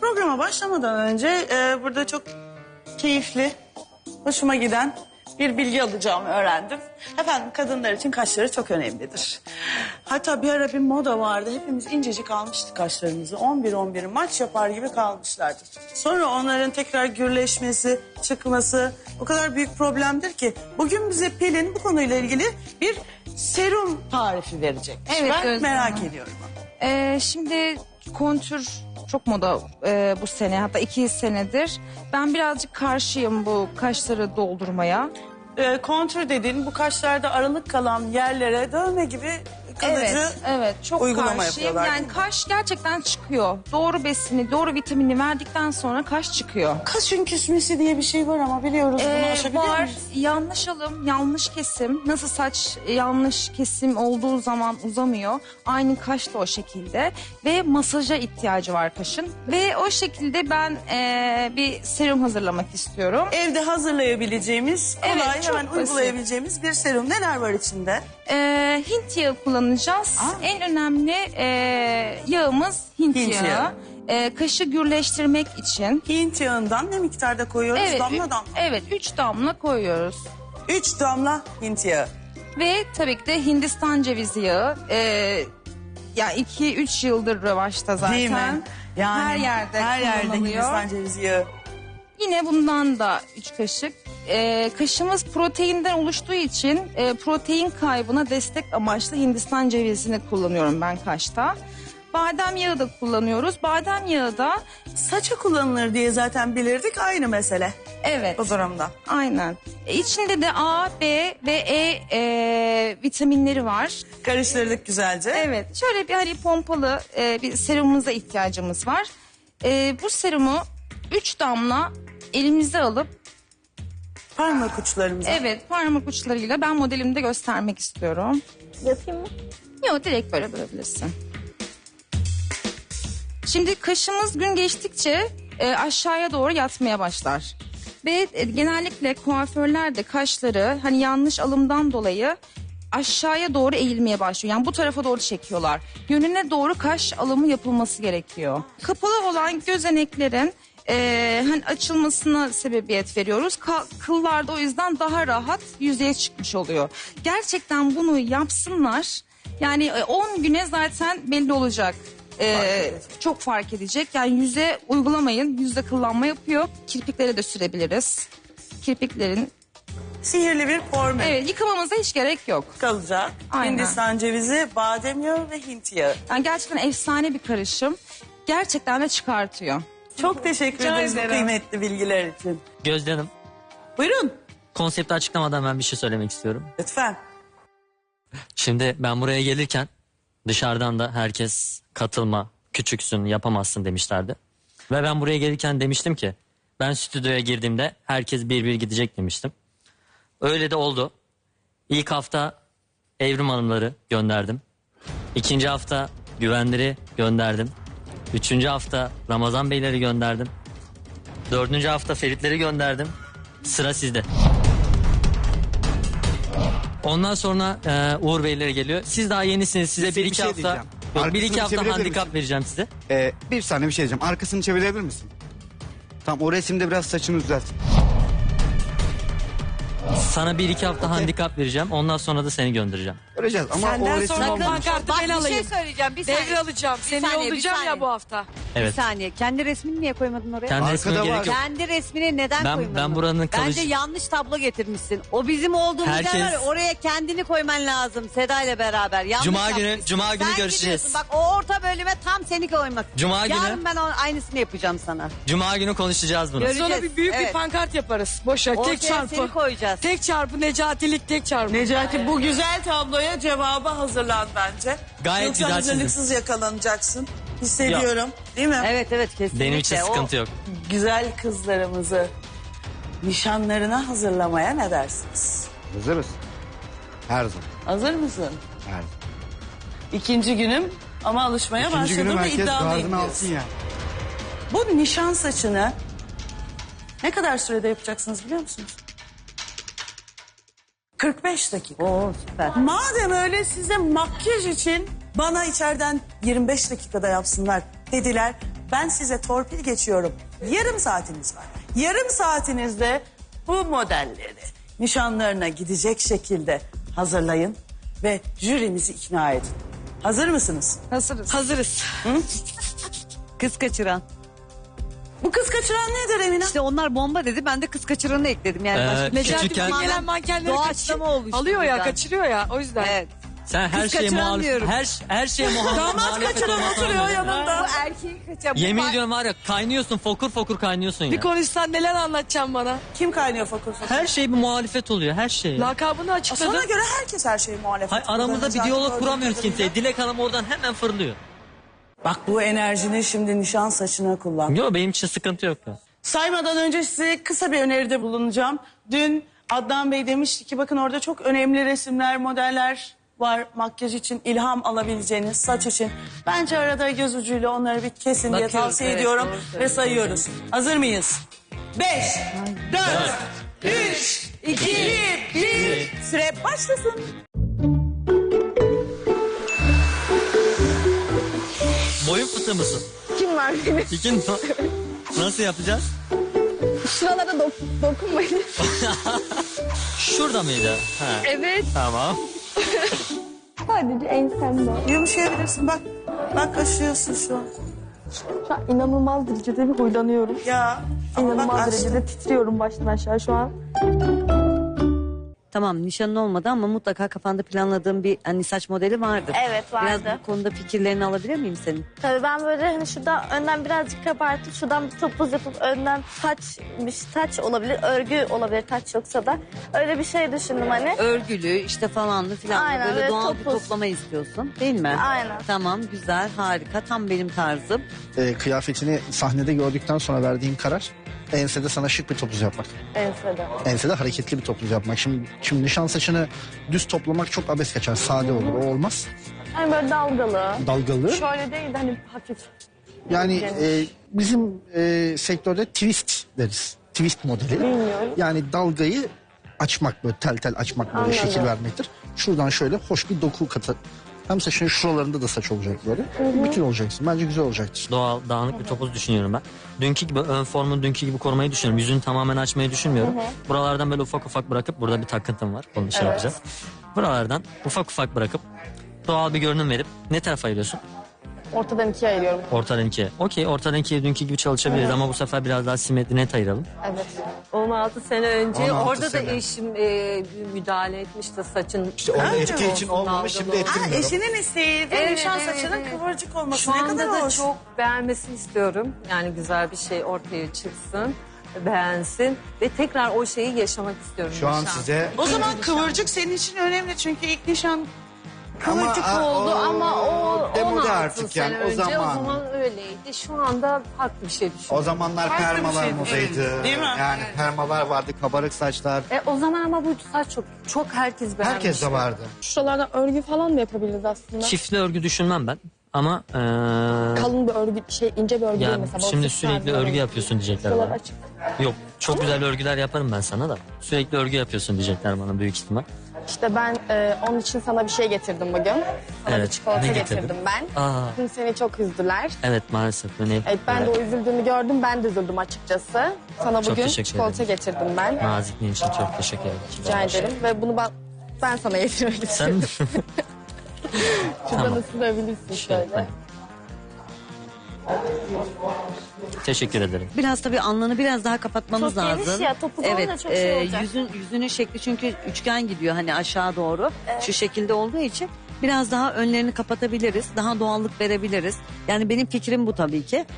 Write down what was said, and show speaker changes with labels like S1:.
S1: Programa başlamadan önce burada çok keyifli, hoşuma giden bir bilgi alacağımı öğrendim. Efendim kadınlar için kaşları çok önemlidir. Hatta bir ara bir moda vardı. Hepimiz incecik almıştık kaşlarımızı. 11-11 maç yapar gibi kalmışlardı. Sonra onların tekrar gürleşmesi, çıkması o kadar büyük problemdir ki. Bugün bize Pelin bu konuyla ilgili bir serum tarifi verecek.
S2: Evet,
S1: ben
S2: Gözde
S1: merak
S2: Hanım.
S1: ediyorum.
S2: Şimdi kontür çok moda bu sene, hatta 2 senedir. Ben birazcık karşıyım bu kaşları doldurmaya.
S1: Kontür dediğin bu kaşlarda aralık kalan yerlere dövme gibi kalıcı
S2: Evet, çok
S1: uygulama
S2: karşıyım.
S1: yapıyorlar, değil
S2: Yani
S1: mi?
S2: kaş gerçekten çıkıyor. Doğru besini, doğru vitamini verdikten sonra kaş çıkıyor.
S1: Kaşın küsmesi diye bir şey var ama biliyoruz bunu aşabiliyor
S2: Var.
S1: muyuz?
S2: Yanlış alım, yanlış kesim. Nasıl saç yanlış kesim olduğu zaman uzamıyor. Aynı kaş da o şekilde. Ve masaja ihtiyacı var kaşın. Ve o şekilde ben bir serum hazırlamak istiyorum.
S1: Evde hazırlayabileceğimiz, kolay
S2: Evet, çok
S1: hemen
S2: basit.
S1: uygulayabileceğimiz bir serum. Neler var içinde?
S2: Hint yağı kullanacağız.
S1: Aa.
S2: En önemli yağımız Hint
S1: Hint
S2: yağı.
S1: yağı.
S2: Kaşı gürleştirmek için.
S1: Hint yağından ne miktarda koyuyoruz?
S2: Evet,
S1: Damla damla.
S2: Evet, 3 damla koyuyoruz.
S1: 3 damla Hint yağı.
S2: Ve tabii ki de Hindistan cevizi yağı. Ya 2-3 yıldır revaçta zaten.
S1: Değil mi? Yani
S2: her yerde
S1: her yerde
S2: kullanılıyor.
S1: Hindistan cevizi yağı.
S2: Yine bundan da 3 kaşık. Kaşımız proteinden oluştuğu için protein kaybına destek amaçlı Hindistan cevizini kullanıyorum ben kaşta. Badem yağı da kullanıyoruz. Badem yağı da
S1: Saça kullanılır diye zaten bilirdik, aynı mesele
S2: evet.
S1: bu durumda.
S2: Aynen. İçinde de A, B ve E vitaminleri var.
S1: Karıştırdık güzelce.
S2: Evet. Şöyle bir hani pompalı bir serumumuza ihtiyacımız var. Bu serumu 3 damla elimize alıp
S1: Parmak uçlarımıza.
S2: evet parmak uçlarıyla ben modelimde göstermek istiyorum.
S3: Yapayım mı?
S2: Yok, direkt böyle bölebilirsin. Şimdi kaşımız gün geçtikçe aşağıya doğru yatmaya başlar. Ve genellikle kuaförler de kaşları hani yanlış alımdan dolayı aşağıya doğru eğilmeye başlıyor. Yani bu tarafa doğru çekiyorlar. Yönüne doğru kaş alımı yapılması gerekiyor. Kapalı olan gözeneklerin hani açılmasına sebebiyet veriyoruz. Kıllar da o yüzden daha rahat yüzeye çıkmış oluyor. Gerçekten bunu yapsınlar. Yani 10 güne zaten belli olacak. Çok fark edecek. Yani yüze uygulamayın. Yüzde kıllanma yapıyor. Kirpiklere de sürebiliriz. Kirpiklerin
S1: Sihirli bir formül
S2: yıkamamıza hiç gerek yok.
S1: kalacak.
S2: Aynen.
S1: Hindistan cevizi, badem yağı ve Hint yağı.
S2: Yani gerçekten efsane bir karışım. Gerçekten de çıkartıyor.
S1: Çok teşekkür
S2: Rica
S1: ederiz bu
S2: ederim.
S1: kıymetli bilgiler için.
S4: Gözde Hanım,
S1: Buyurun
S4: konsepti açıklamadan ben bir şey söylemek istiyorum.
S1: lütfen.
S4: Şimdi ben buraya gelirken dışarıdan da herkes katılma, küçüksün, yapamazsın demişlerdi. Ve ben buraya gelirken demiştim ki ben stüdyoya girdiğimde herkes bir gidecek demiştim. Öyle de oldu. İlk hafta Evrim Hanımları gönderdim. İkinci hafta Güvenleri gönderdim. Üçüncü hafta Ramazan Beyleri gönderdim. Dördüncü hafta Feritleri gönderdim. Sıra sizde. Ondan sonra Uğur Beyleri geliyor. Siz daha yenisiniz. Size
S5: Size
S4: bir
S5: bir
S4: iki
S5: şey
S4: hafta...
S5: diyeceğim.
S4: Yok, bir
S5: Arkasını
S4: iki hafta
S5: çevirebilir
S4: handikap
S5: misin?
S4: vereceğim size.
S5: Bir saniye bir şey diyeceğim. Arkasını çevirebilir misin? Tamam, o resimde biraz saçını düzelt.
S4: Sana bir iki hafta handikap vereceğim. Ondan sonra da seni göndereceğim.
S5: Göreceğiz ama
S6: Senden
S5: o resim
S6: sonra
S5: olmaz.
S6: pankartı ben
S3: Bir
S6: alayım.
S3: şey söyleyeceğim. Bir saniye.
S6: Devralacağım.
S3: Bir
S6: Seni
S3: saniye, bir
S6: yollayacağım
S3: saniye.
S6: ya bu hafta.
S4: Evet.
S3: Bir saniye. Kendi resmini niye koymadın oraya?
S4: Kendi resmine
S5: Arkada var.
S4: gerek yok.
S3: Kendi resmini neden koymadın?
S4: Ben buranın
S3: Bence
S4: kalıcı...
S3: yanlış tablo getirmişsin. O bizim olduğumuz
S4: Herkes-
S3: yer var ya, oraya kendini koyman lazım Seda ile beraber. Yanlış
S4: Cuma günü-
S3: yapmışsın.
S4: Cuma günü
S3: Sen
S4: görüşeceğiz.
S3: gidiyorsun. Bak o orta bölüme tam seni koymak.
S4: Cuma günü-
S3: Yarın ben aynısını yapacağım sana.
S4: Cuma günü konuşacağız bunu.
S3: Göreceğiz.
S6: Sonra bir büyük bir
S3: Evet.
S6: pankart yaparız. Boş ver.
S3: Ortaya
S6: Tek çarpı.
S3: seni koyacağız.
S6: Tek çarpı Necatilik tek çarpı.
S1: Necati bu güzel tabloya cevabı hazırlan bence.
S4: Gayet
S1: Yoksa
S4: güzel
S1: hazırlıksız yakalanacaksın. Hissediyorum. Değil mi?
S3: Evet evet kesinlikle.
S4: Benim için sıkıntı yok.
S1: Güzel kızlarımızı nişanlarına hazırlamaya ne dersiniz?
S5: Hazırız. Her zaman.
S1: Hazır mısın?
S5: Her zaman.
S1: İkinci günüm ama alışmaya
S5: İkinci günü
S1: başladım ve
S5: herkes
S1: iddialıyım
S5: gardını
S1: diyorsun.
S5: alsın yani.
S1: Bu nişan saçını ne kadar sürede yapacaksınız biliyor musunuz? 45 dakika.
S3: Oo süper.
S1: Madem öyle size makyaj için bana içeriden 25 dakikada yapsınlar dediler. Ben size torpil geçiyorum. Yarım saatiniz var. Yarım saatinizde bu modelleri nişanlarına gidecek şekilde hazırlayın ve jürimizi ikna edin. Hazır mısınız?
S2: Hazırız.
S6: Hazırız.
S3: Kız kaçıran.
S1: Bu kız kaçıran nedir Emine?
S3: İşte onlar bomba dedi, ben de kız kaçıranı ekledim. Yani başka
S6: Necati
S4: Küçükken-
S6: Bey gelen mankenleri
S3: Doğaçlama oluştu
S6: alıyor ya,
S3: birden.
S6: kaçırıyor ya. O yüzden.
S3: Evet.
S4: Sen her
S3: Kız
S4: şeye
S3: kaçıran
S4: muhalif,
S3: diyorum.
S4: her şeye
S1: Damat
S4: muhalefet
S1: kaçıran
S4: olmasına
S1: oturuyor
S4: rağmen.
S1: yanında.
S2: Erkeği kaçan.
S4: Yemin ediyorum var ya kaynıyorsun fokur fokur kaynıyorsun
S6: Bir
S4: ya.
S6: konuşsan neler anlatacaksın bana?
S1: Kim kaynıyor fokur fokur?
S4: Her şey bir muhalefet oluyor her şey.
S6: Lakabını açıkladın.
S1: Sana göre herkes her şeyi muhalefet.
S4: Hayır, aramızda bir diyalog
S1: Gördüğüm
S4: kuramıyoruz
S1: kadarıyla.
S4: kimseye. Dilek Hanım oradan hemen fırlıyor.
S1: Bak bu enerjini şimdi nişan saçına kullan.
S4: Yok benim için sıkıntı yok.
S1: Saymadan önce size kısa bir öneride bulunacağım. Dün Adnan Bey demişti ki bakın orada çok önemli resimler, modeller var makyaj için ilham alabileceğiniz, saç için. Bence arada göz ucuyla onları bir kesin diye
S3: Bakıyoruz,
S1: tavsiye
S3: evet,
S1: ediyorum
S3: doğru
S1: ve sayıyoruz. Hazır mıyız? 5, 4, 3, 2, 1. Süre başlasın.
S4: Boyun fıtığı mısın?
S2: Kim var benim?
S4: İkin nasıl yapacağız?
S2: Şuralara dokunmayın.
S4: Şurada mıydı? Ha.
S2: Evet.
S4: Tamam.
S2: Sadece ensemde.
S1: Yumuşayabilirsin bak. Bak kaşıyorsun şu an.
S7: Şu an inanılmaz derecede bir huylanıyorum.
S1: Ya ama bak
S7: İnanılmaz
S1: aşkım.
S7: derecede titriyorum baştan aşağı şu an.
S3: Tamam, nişanın olmadı ama mutlaka kafanda planladığın bir hani saç modeli vardır.
S8: Evet, vardı.
S3: Biraz bu konuda fikirlerini alabilir miyim senin?
S8: Tabii ben böyle hani şuradan önden birazcık kabartıp şuradan bir topuz yapıp önden taç olabilir, örgü olabilir taç yoksa da. Öyle bir şey düşündüm hani.
S3: Örgülü işte falanlı filan
S8: Aynen,
S3: böyle
S8: böyle
S3: doğal bir
S8: topuz.
S3: toplama istiyorsun değil mi?
S8: Aynen.
S3: Tamam, güzel, harika, tam benim tarzım.
S9: Kıyafetini sahnede gördükten sonra verdiğim karar ensede sana şık bir topuz yapmak.
S7: Ensede.
S9: Ensede hareketli bir topuz yapmak. Şimdi nişan saçını düz toplamak çok abes kaçar. Sade olur. O olmaz.
S7: Hani böyle dalgalı.
S9: Dalgalı.
S7: Şöyle değil de hani hafif.
S9: Yani bizim sektörde twist deriz. Twist modeli.
S7: Bilmiyorum.
S9: Yani dalgayı açmak böyle tel tel açmak böyle
S7: Anladım.
S9: şekil vermektir. Şuradan şöyle hoş bir doku katı. Hem saçın şuralarında da saç olacak böyle. Bütün olacaksın. Bence güzel olacaktır.
S4: Doğal, dağınık bir topuz düşünüyorum ben. Dünkü gibi ön formu dünkü gibi korumayı düşünüyorum. Yüzünü tamamen açmayı düşünmüyorum. Buralardan böyle ufak ufak bırakıp burada bir takıntım var. Onu şey yapacağız. Buralardan ufak ufak bırakıp doğal bir görünüm verip ne tarafa ayırıyorsun?
S7: Ortadan ikiye ayırıyorum.
S4: Ortadan ikiye. Okey ortadan ikiye dünkü gibi çalışabiliriz ama bu sefer biraz daha simetri net ayıralım.
S7: Evet.
S10: 16 sene önce
S9: 16
S10: orada
S9: sene.
S10: da eşim müdahale etmişti saçın.
S9: İşte orada etki için olmamış. Şimdi
S1: Ha,
S9: ettirmiyorum.
S1: eşinin isteği de
S10: Evet,
S1: nişan
S10: evet,
S1: saçının
S10: evet.
S1: kıvırcık olması
S10: Şu
S1: ne
S10: anda
S1: kadar
S10: da
S1: hoş.
S10: çok beğenmesini istiyorum. Yani güzel bir şey ortaya çıksın, beğensin ve tekrar o şeyi yaşamak istiyorum.
S9: Şu an
S10: nişan.
S9: size
S1: O zaman kıvırcık senin için önemli çünkü ilk nişan
S10: Kıvırcık oldu ama o
S9: demode
S10: 16
S9: artık
S10: sene
S9: yani, o
S10: önce
S9: zaman.
S10: o zaman öyleydi. Şu anda farklı bir şey düşünüyorum.
S9: o zamanlar
S1: Farklı bir
S9: permalar
S1: şey,
S9: modaydı.
S1: değil mi?
S9: Yani permalar vardı, kabarık saçlar.
S10: O zaman ama bu saç çok herkes beğenmişti.
S9: Herkes de vardı.
S7: Şuralardan örgü falan da yapabiliriz aslında.
S4: Çiftli örgü düşünmem ben ama
S7: Kalın bir örgü, ince bir örgü değil
S4: ya
S7: mesela.
S4: şimdi
S7: balık
S4: sürekli
S7: tarzı
S4: örgü
S7: örgü.
S4: yapıyorsun diyecekler
S7: Şuralar
S4: bana.
S7: açık.
S4: Yok çok güzel örgüler yaparım ben sana da. Sürekli örgü yapıyorsun diyecekler bana büyük ihtimal.
S7: İşte ben onun için sana bir şey getirdim bugün. Sana
S4: Evet,
S7: bir çikolata
S4: ne getirdin?
S7: getirdim ben.
S4: Aa,
S7: Bugün seni çok üzdüler.
S4: evet maalesef.
S7: Evet, ben de o üzüldüğünü gördüm. Ben de üzüldüm açıkçası. Sana
S4: Çok
S7: bugün
S4: teşekkür
S7: çikolata
S4: ederim.
S7: getirdim ben.
S4: Nazikliğin için çok teşekkür ederim.
S7: Rica ederim. Ve bunu ben sana getirmek
S4: Sen
S7: istedim. Şuradan
S4: Tamam.
S7: ısırabilirsin şöyle.
S4: Şöyle. Teşekkür ederim.
S3: Biraz tabii alnını biraz daha kapatmamız
S8: Çok
S3: lazım.
S8: geniş ya, topuz olunca çok şey olacak.
S3: Yüzünün şekli çünkü üçgen gidiyor hani aşağı doğru. Şu şekilde olduğu için biraz daha önlerini kapatabiliriz. Daha doğallık verebiliriz. Yani benim fikrim bu tabii ki.